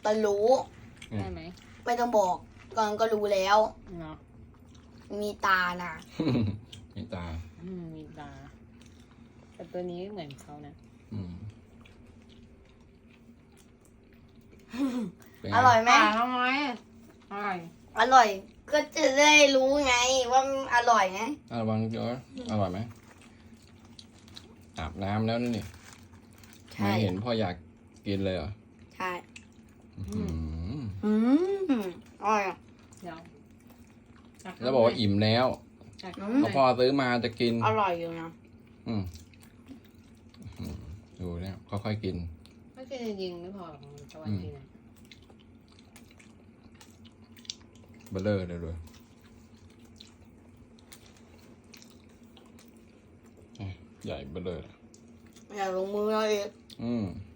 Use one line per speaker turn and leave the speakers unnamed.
ตอนรู้
ได้ไหม
ไม่ต้องบอกก่อนก็รู้แล้ว
เนาะ
มีตานะ
มีตา
มีตาแต่ตัวนี้เหมือนเขานะ
อืมเป็นไง
อร่อยไหม
ทำไมอร่อย
อร่อย ก็จะได้รู้ไงว่ามันอร่อยไง
ระวังเยอะอร่อยไหมอาบน้ำแล้วนี่
ใช่
ไม่เห็นพ่ออยากกินเลยเหรอ
ใช่
อื้อหือ
อืมอร่อยอ่ะ
เดี๋ยว
แล้วบอกว่าอิ่มแล้ว
อืม
พอพ่อซื้อมาจะกิน
อร่อยอยู่นะ
อืมดูเนี่ยค่อยๆกิน
ไม่กินจริงๆไม่พอหรอกมันจะวันกินอ่ะ
เบลเลอร์เลยด้วยใหญ่เบลเลอร์
อย่าลงมือเลย
อืม